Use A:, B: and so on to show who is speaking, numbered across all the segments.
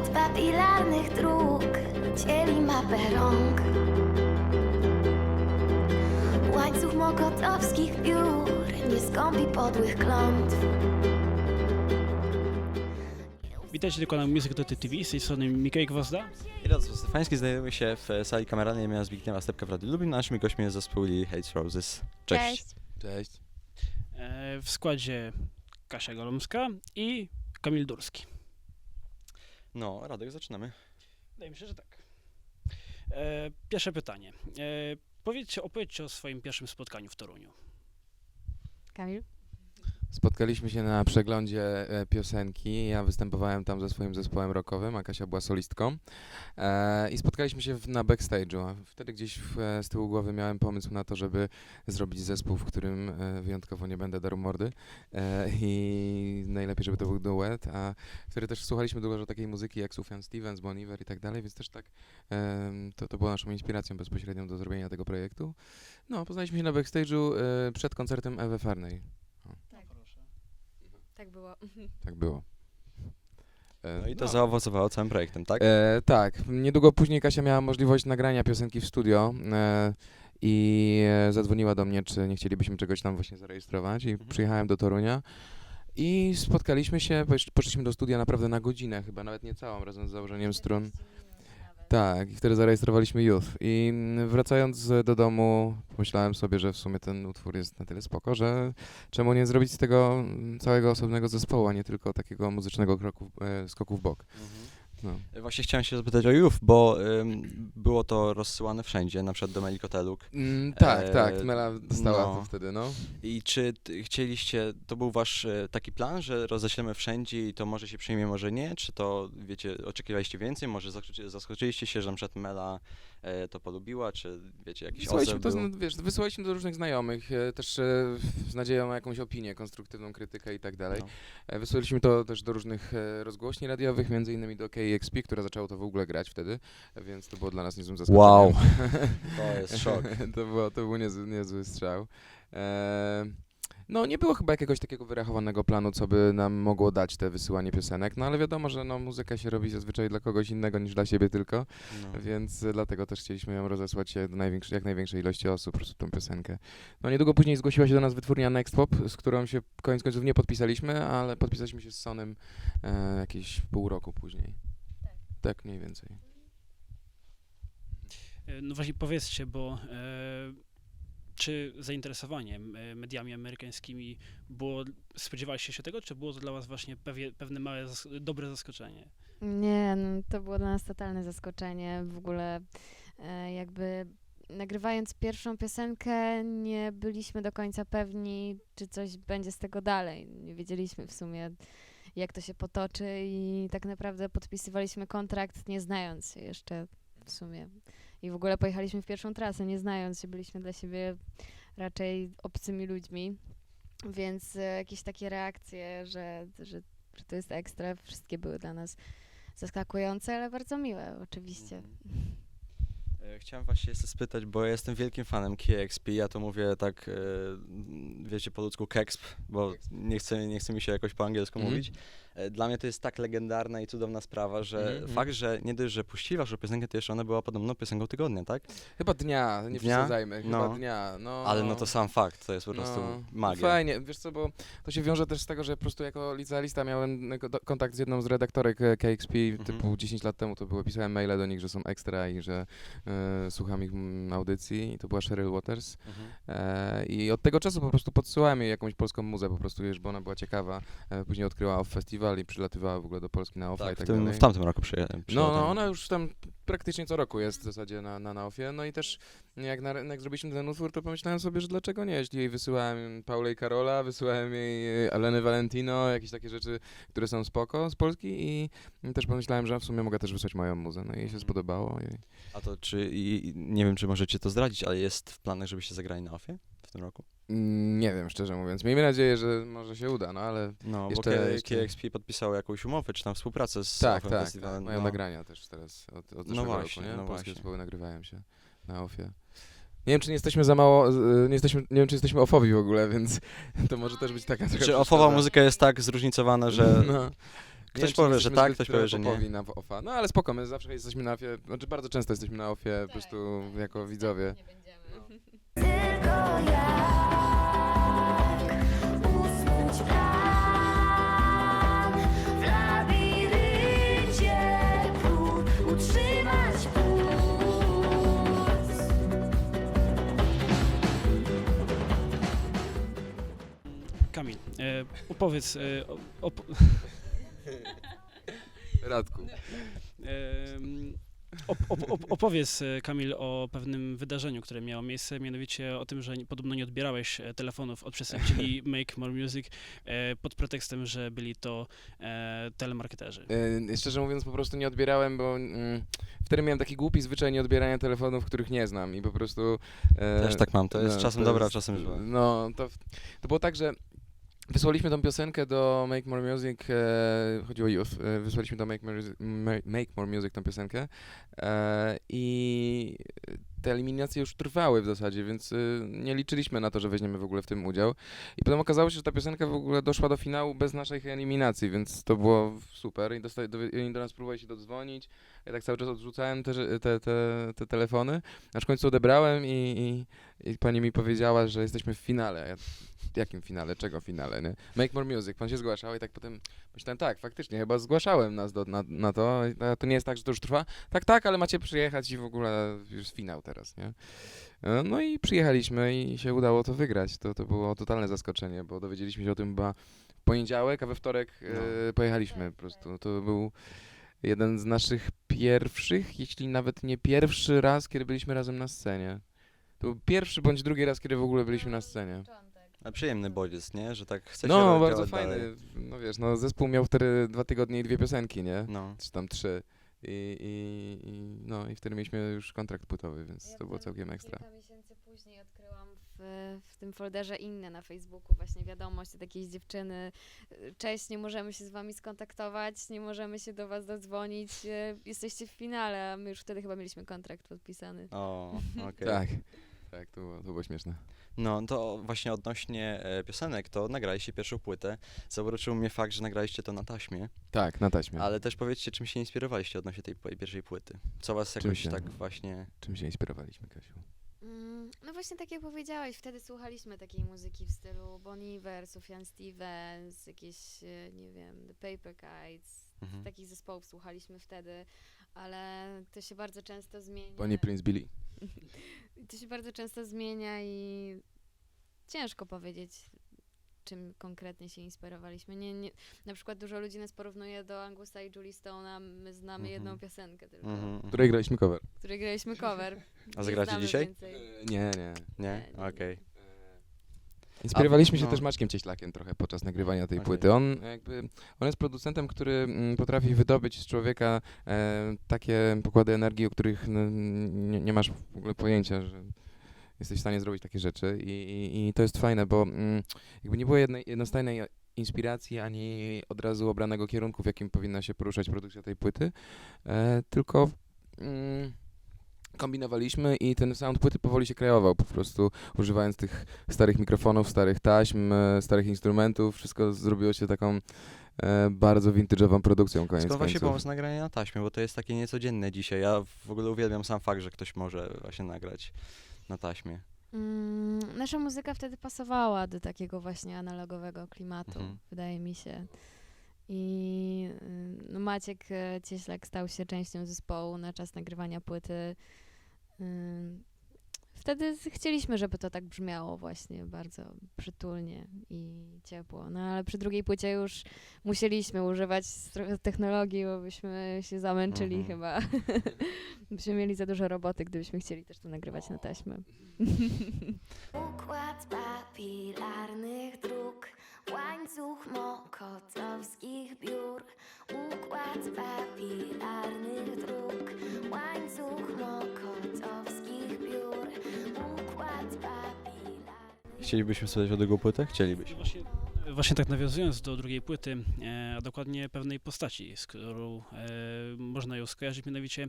A: Układ papilarnych dróg dzieli mapę rąk. Łańcuch mokotowskich piór nie skąpi podłych klątw.
B: Witajcie na kanale Music.tv, z tej strony Mikołaj Gwozda.
C: I Radosław Stefański, znajdujemy się w sali kameralnej imienia Zbigniewa Stepka w Radiu Lublin. Naszymi gośćmi jest zespół Hates Roses. Cześć.
D: Cześć.
B: W składzie Kasia Golomska i Kamil Durski.
C: No, Radek, zaczynamy.
B: Wydaje mi się, że tak. Pierwsze pytanie. Opowiedzcie o swoim pierwszym spotkaniu w Toruniu.
E: Kamil?
D: Spotkaliśmy się na przeglądzie piosenki. Ja występowałem tam ze swoim zespołem rockowym, a Kasia była solistką. I spotkaliśmy się na backstage'u. A wtedy gdzieś z tyłu głowy miałem pomysł na to, żeby zrobić zespół, w którym wyjątkowo nie będę darł mordy. I najlepiej, żeby to był duet. A wtedy też słuchaliśmy dużo takiej muzyki jak Sufjan Stevens, Bon Iver i tak dalej, więc też tak to było naszą inspiracją bezpośrednią do zrobienia tego projektu. No, poznaliśmy się na backstage'u przed koncertem Ewy Farnej.
E: Tak było.
D: Tak było.
C: No i to zaowocowało całym projektem, tak?
D: Tak. Niedługo później Kasia miała możliwość nagrania piosenki w studio i zadzwoniła do mnie, czy nie chcielibyśmy czegoś tam właśnie zarejestrować i przyjechałem do Torunia i spotkaliśmy się, poszliśmy do studia naprawdę na godzinę, chyba nawet nie całą, razem z założeniem strun. Tak, i wtedy zarejestrowaliśmy Youth i wracając do domu pomyślałem sobie, że w sumie ten utwór jest na tyle spoko, że czemu nie zrobić z tego całego osobnego zespołu, a nie tylko takiego muzycznego skoku w bok. No.
C: Właśnie chciałem się zapytać o Youth, bo było to rozsyłane wszędzie, na przykład do Melikoteluk.
D: Tak, Mela dostała to wtedy, no.
C: I czy chcieliście, to był wasz taki plan, że roześlemy wszędzie i to może się przyjmie, może nie? Czy to, wiecie, oczekiwaliście więcej? Może zaskoczyliście się, że na przykład Mela to polubiła, czy wiecie, jakiś odzew był?
D: Wysyłaliśmy do różnych znajomych, też z nadzieją na jakąś opinię, konstruktywną krytykę i tak dalej. Wysyłaliśmy to też do różnych rozgłośni radiowych, między innymi do KEXP, która zaczęła to w ogóle grać wtedy, więc to było dla nas niezłym zaskoczeniem.
C: Wow, to jest szok.
D: To był niezły strzał. No nie było chyba jakiegoś takiego wyrachowanego planu, co by nam mogło dać te wysyłanie piosenek, no ale wiadomo, że no, muzyka się robi zazwyczaj dla kogoś innego niż dla siebie tylko, więc dlatego też chcieliśmy ją rozesłać do jak największej ilości osób, po prostu tą piosenkę. No niedługo później zgłosiła się do nas wytwórnia Next Pop, z którą się koniec końców nie podpisaliśmy, ale podpisaliśmy się z Sonem jakieś pół roku później. Tak mniej więcej.
B: No właśnie powiedzcie, bo czy zainteresowanie mediami amerykańskimi spodziewaliście się tego, czy było to dla was właśnie pewne małe, dobre zaskoczenie?
E: Nie, no, to było dla nas totalne zaskoczenie. W ogóle jakby nagrywając pierwszą piosenkę nie byliśmy do końca pewni, czy coś będzie z tego dalej. Nie wiedzieliśmy w sumie, jak to się potoczy i tak naprawdę podpisywaliśmy kontrakt, nie znając się jeszcze w sumie. I w ogóle pojechaliśmy w pierwszą trasę, nie znając się, byliśmy dla siebie raczej obcymi ludźmi, więc jakieś takie reakcje, że to jest ekstra, wszystkie były dla nas zaskakujące, ale bardzo miłe oczywiście.
C: Chciałem właśnie jeszcze spytać, bo ja jestem wielkim fanem KEXP, ja to mówię tak, wiecie, po ludzku KEXP, bo nie chce mi się jakoś po angielsku mówić. Dla mnie to jest tak legendarna i cudowna sprawa, że fakt, że nie dość, że puścili waszą piosenkę, to jeszcze ona była podobno piosenką tygodnia, tak?
D: Chyba dnia, nie przesadzajmy, chyba dnia. No.
C: Ale no to sam fakt, to jest po prostu magia.
D: Fajnie, wiesz co, bo to się wiąże też z tego, że po prostu jako licealista miałem kontakt z jedną z redaktorek KEXP typu 10 lat temu, to było, pisałem maile do nich, że są ekstra i że słucham ich audycji i to była Cheryl Waters. I od tego czasu po prostu podsyłałem jej jakąś polską muzę, po prostu wiesz, bo ona była ciekawa. Później odkryła Off Festival i przylatywała w ogóle do Polski na Offa i tak dalej.
C: W tamtym roku przyjechałem.
D: No, ona już tam praktycznie co roku jest w zasadzie na Offie. No i też jak zrobiliśmy ten utwór, to pomyślałem sobie, że dlaczego nie? Jeśli jej wysyłałem Paulę i Karola, wysyłałem jej Alenę Valentino, jakieś takie rzeczy, które są spoko z Polski i też pomyślałem, że w sumie mogę też wysłać moją muzę. No i jej się spodobało.
C: A to nie wiem, czy możecie to zdradzić, ale jest w planach, żebyście zagrali na Offie w tym roku?
D: Nie wiem, szczerze mówiąc. Miejmy nadzieję, że może się uda, no ale
C: jeszcze... bo KEXP podpisało jakąś umowę, czy tam współpracę z
D: tak,
C: festiwalem.
D: mają nagrania też teraz od zeszłego roku, nie? Polskie zespoły nagrywają się na Offie. Nie wiem, czy nie jesteśmy za mało, nie wiem, czy jesteśmy offowi w ogóle, więc to może też być taka trochę
C: Czy offowa muzyka jest tak zróżnicowana, że
D: wiem, czy
C: powie,
D: nie
C: że
D: jesteśmy
C: tak,
D: zbyt
C: ktoś powie, że nie.
D: popowi na offa. No ale spoko, my zawsze jesteśmy na ofie, znaczy bardzo często jesteśmy na ofie po prostu jako widzowie.
E: Nie będziemy.
A: Tylko jak usnąć plan w labiryncie prób utrzymać puls.
B: Kamil, opowiedz,
D: Radku.
B: opowiedz, Kamil, o pewnym wydarzeniu, które miało miejsce, mianowicie o tym, że podobno nie odbierałeś telefonów od przedstawicieli Make More Music pod pretekstem, że byli to telemarketerzy.
D: Szczerze mówiąc, po prostu nie odbierałem, bo wtedy miałem taki głupi zwyczaj nie odbierania telefonów, których nie znam i po prostu...
C: Też tak mam, to jest czasem dobre, a czasem złe.
D: No, to było tak, że wysłaliśmy tą piosenkę do Make More Music, chodziło o Youth, wysłaliśmy do Make More Music tą piosenkę i te eliminacje już trwały w zasadzie, więc nie liczyliśmy na to, że weźmiemy w ogóle w tym udział. I potem okazało się, że ta piosenka w ogóle doszła do finału bez naszych eliminacji, więc to było super i oni do nas próbowali się dodzwonić. Ja tak cały czas odrzucałem te telefony, aż w końcu odebrałem i pani mi powiedziała, że jesteśmy w finale. Ja, jakim finale? Czego finale? Nie? Make More Music. Pan się zgłaszał i tak potem myślałem, tak, faktycznie, chyba zgłaszałem nas na to. A to nie jest tak, że to już trwa? Tak, ale macie przyjechać i w ogóle już finał teraz, nie? No i przyjechaliśmy i się udało to wygrać. To było totalne zaskoczenie, bo dowiedzieliśmy się o tym chyba w poniedziałek, a we wtorek pojechaliśmy po prostu. To był jeden z naszych pierwszych, jeśli nawet nie pierwszy raz, kiedy byliśmy razem na scenie. To był pierwszy bądź drugi raz, kiedy w ogóle byliśmy na scenie.
C: A przyjemny bodziec, nie? Że tak chcecie
D: No,
C: działać
D: bardzo fajny.
C: dalej.
D: No wiesz, no zespół miał wtedy 2 tygodnie i 2 piosenki, nie?
C: No.
D: Czy tam 3. No i wtedy mieliśmy już kontrakt płytowy, więc to było całkiem ekstra.
E: Kilka miesięcy później odkryłam w tym folderze inne na Facebooku właśnie wiadomość od jakiejś dziewczyny. Cześć, nie możemy się z wami skontaktować, nie możemy się do was dodzwonić, jesteście w finale, a my już wtedy chyba mieliśmy kontrakt podpisany.
C: O, okej.
D: Tak, to było śmieszne.
C: No to właśnie odnośnie piosenek, to nagraliście pierwszą płytę. Zauroczył mnie fakt, że nagraliście to na taśmie,
D: Tak, na taśmie.
C: ale też powiedzcie, czym się inspirowaliście odnośnie tej pierwszej płyty. Co was
D: Czym
C: jakoś
D: się?
C: tak właśnie...
D: Czym się inspirowaliśmy, Kasiu?
E: No właśnie tak jak powiedziałeś, wtedy słuchaliśmy takiej muzyki w stylu Bon Iver, Sufjan Stevens, jakieś, nie wiem, The Paper Kites,
C: Mhm.
E: takich zespołów słuchaliśmy wtedy, ale to się bardzo często zmienia.
D: Bonnie Prince Billy.
E: To się bardzo często zmienia i ciężko powiedzieć, czym konkretnie się inspirowaliśmy. Na przykład dużo ludzi nas porównuje do Angusa i Julie Stone'a, my znamy jedną piosenkę tylko,
D: Której graliśmy cover.
E: której graliśmy cover.
C: A
E: Nie
C: zagracie
E: znamy
C: dzisiaj?
E: więcej.
D: Nie.
C: Nie?
E: Nie.
C: Okej.
D: Inspirowaliśmy się
C: no.
D: też Maćkiem Cieślakiem trochę podczas nagrywania tej
C: Okej.
D: płyty. On jest producentem, który potrafi wydobyć z człowieka takie pokłady energii, o których nie masz w ogóle pojęcia, że jesteś w stanie zrobić takie rzeczy i to jest fajne, bo jakby nie było jednostajnej inspiracji, ani od razu obranego kierunku, w jakim powinna się poruszać produkcja tej płyty, tylko kombinowaliśmy i ten sound płyty powoli się kreował, po prostu używając tych starych mikrofonów, starych taśm, starych instrumentów, wszystko zrobiło się taką bardzo vintage'ową produkcją koniec
C: Skąd właśnie
D: końców.
C: pomysł nagrania na taśmie, bo to jest takie niecodzienne dzisiaj. Ja w ogóle uwielbiam sam fakt, że ktoś może właśnie nagrać na taśmie.
E: Nasza muzyka wtedy pasowała do takiego właśnie analogowego klimatu,
C: Mhm.
E: wydaje mi się. I no Maciek Cieślak stał się częścią zespołu na czas nagrywania płyty. Wtedy chcieliśmy, żeby to tak brzmiało właśnie bardzo przytulnie i ciepło. No ale przy drugiej płycie już musieliśmy używać trochę technologii, bo byśmy się zamęczyli chyba. Byśmy mieli za dużo roboty, gdybyśmy chcieli też to nagrywać na taśmę.
A: Układ papilarnych dróg, łańcuch mokotowskich biur. Układ papilarnych dróg, łańcuch mokotowskich biur. Układ papilarnych...
C: Chcielibyśmy słuchać o drugą płytę? Chcielibyśmy.
B: Właśnie tak nawiązując do drugiej płyty, a dokładnie pewnej postaci, z którą można ją skojarzyć, mianowicie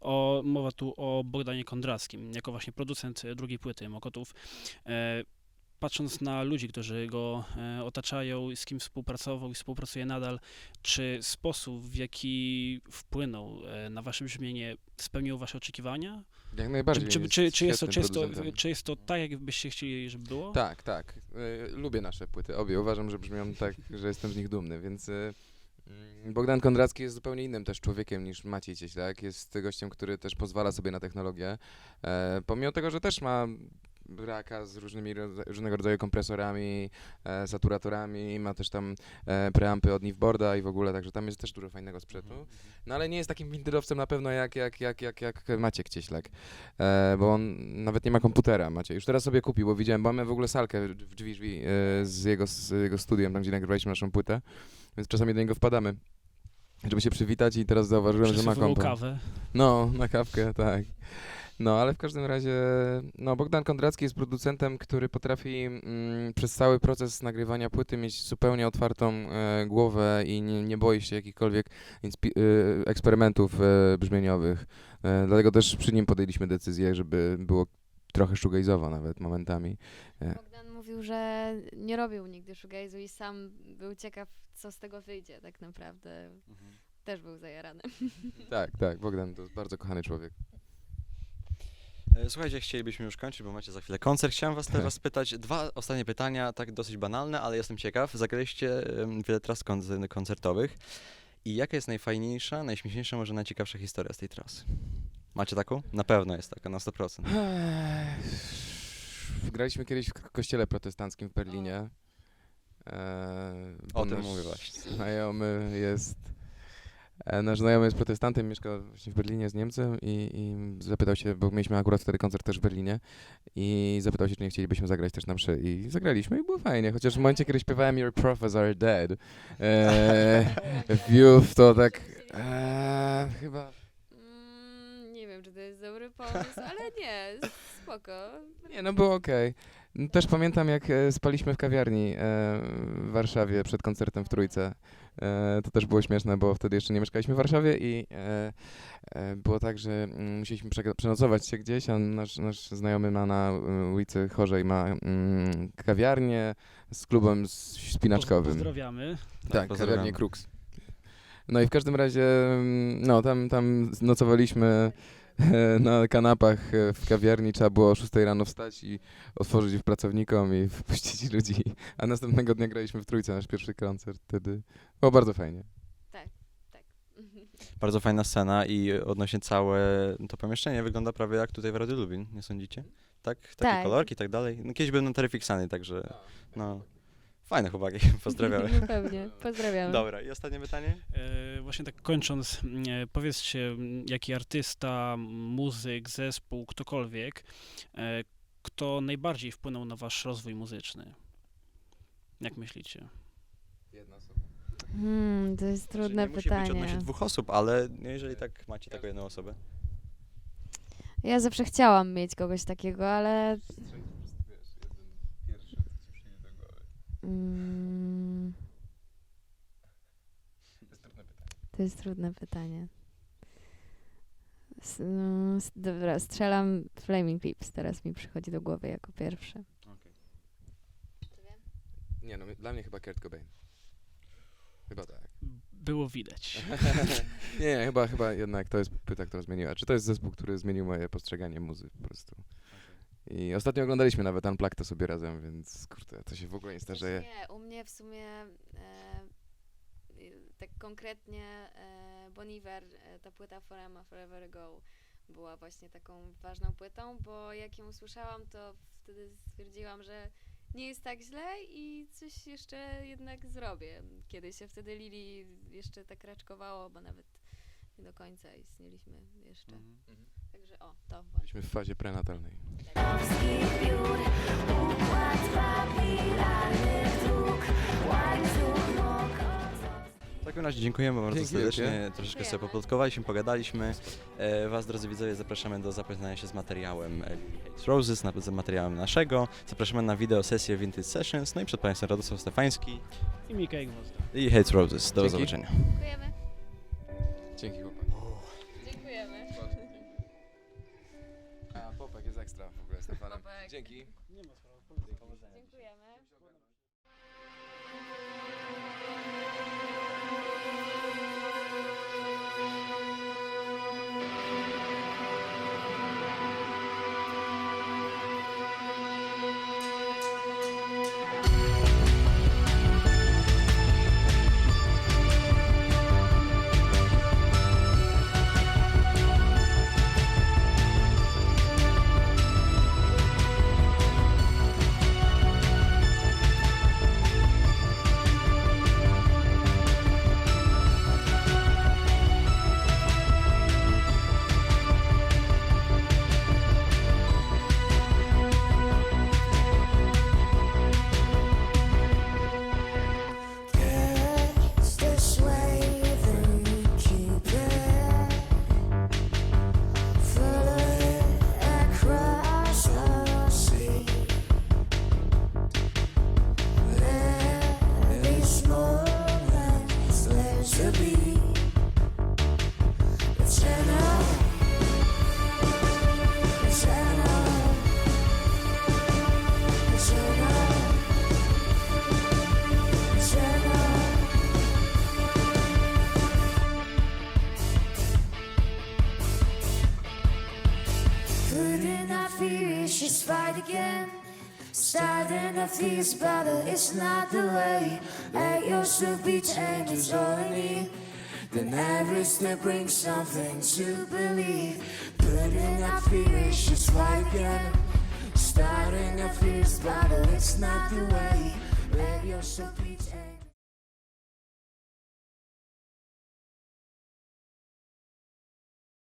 B: mowa tu o Bogdanie Kondrackim, jako właśnie producent drugiej płyty Mokotów. patrząc na ludzi, którzy go otaczają, z kim współpracował i współpracuje nadal, czy sposób, w jaki wpłynął na wasze brzmienie, spełnił wasze oczekiwania?
D: Jak najbardziej.
B: Czy jest to tak, jakbyście chcieli, żeby było?
D: Tak, tak. Lubię nasze płyty, obie. Uważam, że brzmią tak, że jestem z nich dumny, więc Bogdan Kondracki jest zupełnie innym też człowiekiem niż Maciej Cieślak. Jest gościem, który też pozwala sobie na technologię. Pomimo tego, że też ma raka z różnego rodzaju kompresorami, saturatorami, ma też tam preampy od Niveboarda i w ogóle, także tam jest też dużo fajnego sprzętu. No ale nie jest takim windyrowcem na pewno jak Maciek Cieślak, bo on nawet nie ma komputera, Maciej. Już teraz sobie kupił, bo widziałem, bo mamy w ogóle salkę w drzwi z jego studiem, tam gdzie nagrywaliśmy naszą płytę, więc czasami do niego wpadamy, żeby się przywitać i teraz zauważyłem, że ma
B: Przesuwał
D: kompa.
B: kawę.
D: No, na kawkę, tak. No, ale w każdym razie, no, Bogdan Kondracki jest producentem, który potrafi przez cały proces nagrywania płyty mieć zupełnie otwartą głowę i nie boi się jakichkolwiek eksperymentów brzmieniowych. Dlatego też przy nim podjęliśmy decyzję, żeby było trochę shoegaze'owo nawet momentami.
E: Bogdan mówił, że nie robił nigdy shoegaze'u i sam był ciekaw, co z tego wyjdzie tak naprawdę. Też był zajarany.
D: Tak, tak, Bogdan to jest bardzo kochany człowiek.
C: Słuchajcie, chcielibyśmy już kończyć, bo macie za chwilę koncert. Chciałem was teraz spytać 2 ostatnie pytania, tak dosyć banalne, ale jestem ciekaw. Zagraliście wiele tras koncertowych i jaka jest najfajniejsza, najśmieszniejsza, może najciekawsza historia z tej trasy? Macie taką? Na pewno jest taka, na 100%.
D: Graliśmy kiedyś w kościele protestanckim w Berlinie.
C: O
D: bo
C: tym
D: nasz
C: mówię właśnie.
D: Nasz znajomy jest protestantem, mieszka właśnie w Berlinie z Niemcem i zapytał się, bo mieliśmy akurat wtedy koncert też w Berlinie i zapytał się, czy nie chcielibyśmy zagrać też na mszy i zagraliśmy i było fajnie, chociaż w momencie, kiedy śpiewałem Your Prophets Are Dead w Youth, to tak chyba...
E: Nie wiem, czy to jest dobry pomysł, ale nie, spoko.
D: Nie, no było okej. Też pamiętam, jak spaliśmy w kawiarni w Warszawie przed koncertem w Trójce. To też było śmieszne, bo wtedy jeszcze nie mieszkaliśmy w Warszawie i było tak, że musieliśmy przenocować się gdzieś, a nasz znajomy ma na ulicy Chorzej ma kawiarnię z klubem spinaczkowym.
B: Pozdrawiamy.
D: Tak,
C: pozdrawiamy.
D: kawiarnię Krux. No i w każdym razie, no tam nocowaliśmy na kanapach w kawiarni, trzeba było o 6 rano wstać i otworzyć pracownikom i wpuścić ludzi. A następnego dnia graliśmy w Trójce, nasz pierwszy koncert wtedy. Było bardzo fajnie.
E: Tak.
C: Bardzo fajna scena i odnośnie całe to pomieszczenie wygląda prawie jak tutaj w Radiu Lubin, nie sądzicie? Tak? Takie
E: Tak.
C: kolorki i tak dalej. No, kiedyś byłem na Terrificsany, także no fajne chłopaki, pozdrawiamy.
E: No pewnie, pozdrawiamy.
C: Dobra, i ostatnie pytanie?
B: Właśnie tak kończąc, powiedzcie, jaki artysta, muzyk, zespół, ktokolwiek, kto najbardziej wpłynął na wasz rozwój muzyczny? Jak myślicie?
D: Jedna osoba.
E: To jest trudne
C: nie musi być
E: pytanie.
C: odnośnie 2 osób, ale jeżeli tak macie taką jedną osobę.
E: Ja zawsze chciałam mieć kogoś takiego, ale... To jest trudne pytanie. Dobra, strzelam Flaming Lips, teraz mi przychodzi do głowy jako pierwszy.
D: Nie no, dla mnie chyba Kurt Cobain. Chyba tak.
B: Było widać.
D: Nie, chyba jednak to jest płyta, która zmieniła. Czy to jest zespół, który zmienił moje postrzeganie muzy po prostu. I ostatnio oglądaliśmy nawet Unplugged to sobie razem, więc kurde, to się w ogóle nie starzeje.
E: Nie, u mnie w sumie tak konkretnie Bon Iver, ta płyta Forever Ago była właśnie taką ważną płytą, bo jak ją usłyszałam, to wtedy stwierdziłam, że nie jest tak źle i coś jeszcze jednak zrobię. Kiedy się wtedy Lili jeszcze tak raczkowało, bo nawet nie do końca istnieliśmy jeszcze. Także to właśnie.
D: Byliśmy w fazie prenatalnej.
A: Biur, układ papilarnych dróg, łańcuch
C: W takim razie dziękujemy bardzo
D: Dzięki
C: serdecznie,
D: wielkie.
C: troszeczkę sobie
E: Dziękujemy.
C: poplotkowaliśmy, pogadaliśmy. Was, drodzy widzowie, zapraszamy do zapoznania się z materiałem Hate Roses, z materiałem naszego. Zapraszamy na wideo sesję Vintage Sessions, no i przed Państwem Radosław Stefański
B: I Mikołaj Gwozdek.
C: i Hate Roses. Do
D: Dzięki.
C: zobaczenia.
E: Dziękujemy.
D: Dzięki chłopaki.
E: Dziękujemy.
D: A Popek jest ekstra w ogóle, Stefanem.
E: Popek.
D: Dzięki.
B: Nie ma sprawy.
E: Dziękuję.
A: again. Starting a fierce battle, it's not the way. Let yourself be changed, is all I need. Then every step brings something to believe. Putting our fears, just fight again. Starting a fierce battle, it's not the way. Let yourself be changed.